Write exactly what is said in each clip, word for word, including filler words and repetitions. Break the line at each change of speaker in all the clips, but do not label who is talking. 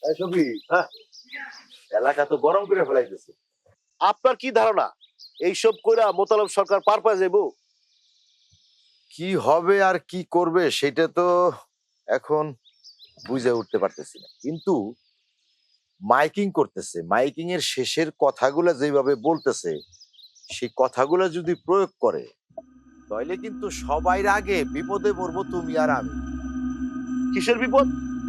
এই সবই হ্যাঁ, এলাকা তো গরম করে ফেলাইতেছে।
আপনার কি ধারণা এইসব কইরা মোতালেব সরকার পার পায় যাইবো?
কি হবে আর কি করবে সেটা তো এখন বুঝে উঠতে পারতেছি না, কিন্তু মাইকিং করতেছে, মাইকিং এর শেষের কথাগুলো যেভাবে বলতেছে সেই কথাগুলো যদি প্রয়োগ করে তাহলে কিন্তু সবাই আগে বিপদে পড়বো তুমি আর আমি।
কিসের বিপদ?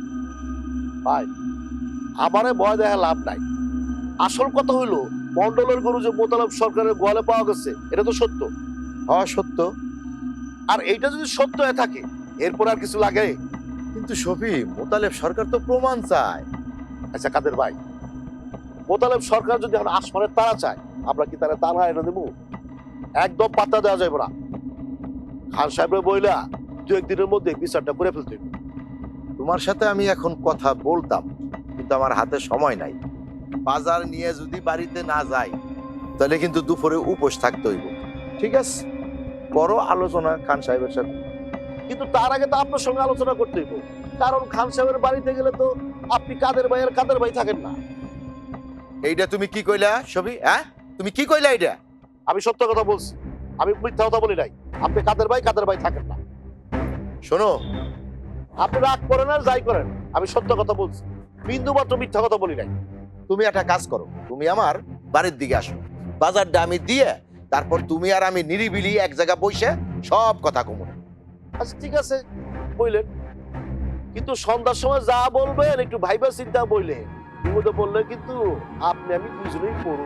ভাই, আমারে ভয় দেখা লাভ নাই। আসল কথা হইলো মন্ডলের গরু যে মোতালেব সরকারের গোয়ালে পাওয়া গেছে এটা তো সত্য।
হ্যাঁ সত্য।
আর এইটা যদি সত্য হয়ে থাকে এরপর আর কিছু লাগে?
কিন্তু শফি, মোতালেব সরকার তো প্রমাণ চায়।
আচ্ছা কাদের ভাই, মোতালেব সরকার যদি এখন আসমানের তারা চায় আমরা কি তারা তারা এনে দেবো? একদম পাত্তা দেওয়া যাবে না। খান সাহেবের বইলা দু একদিনের মধ্যে বিচারটা করে ফেলতে হইবে।
তোমার সাথে আমি এখন কথা বলতাম, কিন্তু আমার হাতে সময় নাই। বাজার নিয়ে যদি বাড়িতে না যাই তাহলে কিন্তু দুপুরে উপোস থাকতে হইব। ঠিক আছে, করো আলোচনা খান সাহেবের সাথে।
কিন্তু তার আগে তো আপনার সঙ্গে আলোচনা করতে হইব, কারণ খান সাহেবের বাড়িতে গেলে তো আপনি কাদের ভাই আর কাদের ভাই থাকেন না।
এইটা তুমি কি কইলা সবই? হ্যাঁ, তুমি কি কইলা এইটা?
আমি সত্য কথা বলছি, আমি মিথ্যা কথা বলি নাই। আপনি কাদের ভাই কাদের ভাই থাকেন না।
শোনো,
আপনি রাগ করেন আর যাই করেন, আমি সত্য কথা বলছি, বিন্দু মাত্র মিথ্যা কথা বলি নাই।
তুমি একটা কাজ করো, তুমি আমার বাড়ির দিকে আসো, বাজারটা আমি দিয়ে তারপর তুমি আর আমি নিরিবিলি এক জায়গা বসে সব কথা কমু।
আচ্ছা ঠিক আছে বললেন, কিন্তু সন্ধ্যার সময় যা বলবেন একটু ভাইবা চিন্তা বললেন। বিপদে বললে কিন্তু আপনি আমি দুজনেই পড়ু।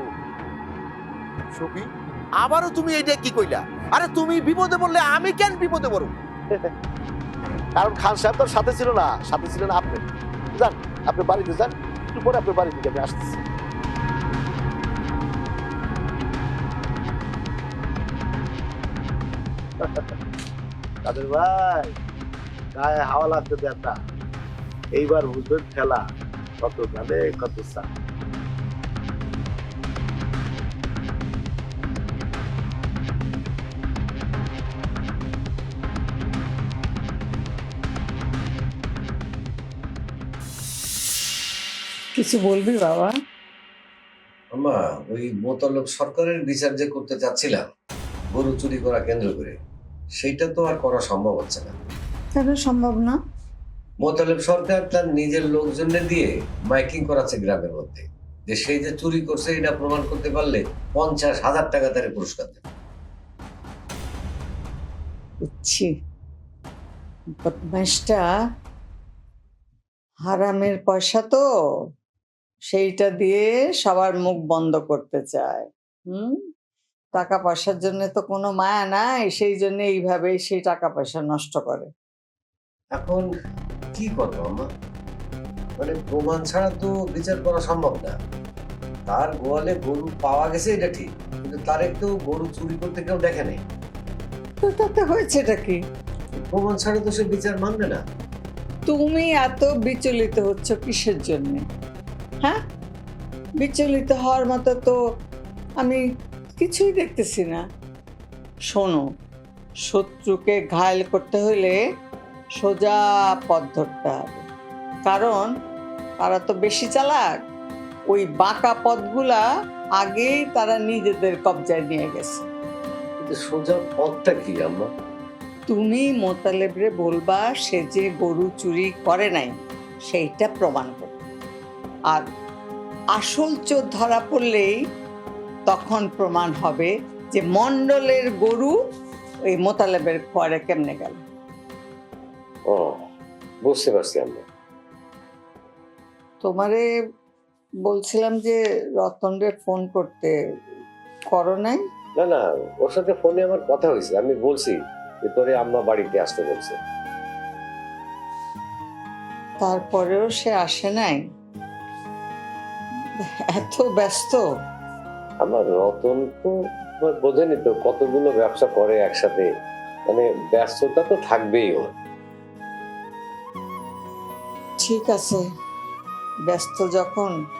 সবই আবারও তুমি এইটা কি কইলা? আরে তুমি বিপদে বললে আমি কেন বিপদে পড়ব?
কারণ খান সাহেব তোর সাথে ছিল না, সাথে ছিলেন আপনি। যান আপনি বাড়িতে যান, একটু পরে আপনার বাড়ি থেকে আমি আসতেছি। কাদের ভাই, গায়ে হাওয়া লাগতে দেন না। এইবার বুঝবেন খেলা কত গানে কত চা।
কিছু বলবি বাবা?
আমা, ওই মোতালেব সরকারের বিচার যে করতে চাচ্ছিলাম গরু চুরি করা কেন্দ্র করে, সেইটা তো আর করা সম্ভব হচ্ছে না।
কেন সম্ভব না?
মোতালেব সরকার তার নিজের লোকজনের দিয়ে মাইকিং করাচ্ছে গ্রামের মধ্যে, যে সেই যে চুরি করছে এটা প্রমাণ করতে পারলে পঞ্চাশ হাজার টাকা তারে পুরস্কার দেবে।
বুঝছি, বদমাইশটা হারামের পয়সা তো, সেইটা দিয়ে সবার মুখ বন্ধ করতে চায়। হুম, টাকা পয়সার জন্য তো কোনো মায়া নাই, সেই জন্য এইভাবেই সেই টাকা পয়সা নষ্ট করে।
এখন কি করবো আমা? মানে প্রমাণ ছাড়া তো বিচার করা সম্ভব না। তার গোয়ালে গরু পাওয়া গেছে এটা ঠিক, কিন্তু তার একটু গরু চুরি করতে কেউ দেখে নেই।
তো তাতে হয়েছেটা কি?
প্রমাণ ছাড়া তো সে বিচার মানবে না।
তুমি এত বিচলিত হচ্ছ কিসের জন্য? হ্যাঁ, বিচলিত হওয়ার মতো তো আমি কিছুই দেখতেছি না। শোনো, শত্রুকে ঘায়েল করতে হলে সোজা পথ ধরতে হবে, কারণ তারা তো বেশি চালাক। ওই বাঁকা পথগুলা আগেই তারা নিজেদের কবজায় নিয়ে গেছে।
কিন্তু সোজা পথটা কি আম্মা?
তুমি মোতালেবরে বলবা সে যে গরু চুরি করে নাই সেইটা প্রমাণ করবে, আর আসল চোর ধরা পড়লেই তখন প্রমাণ হবে যে মন্ডলের গরু ওই মোতালেবের খোয়ারে কেমনে গেল।
ও, বুঝতে পারছি আম্মা।
তোমারে বলছিলাম যে রতনরে ফোন করতে, করো নাই?
না না, ওর সাথে ফোনে আমার কথা হয়েছে, আমি বলছি যে তোরে আম্মা বাড়িতে আসতে বলছে।
তারপরেও সে আসে নাই? এত ব্যস্ত?
আমার রতন তো তোমার বোঝেনি তো, কতগুলো ব্যবসা করে একসাথে, মানে ব্যস্ততা তো থাকবেই ওর।
ঠিক আছে, ব্যস্ত যখন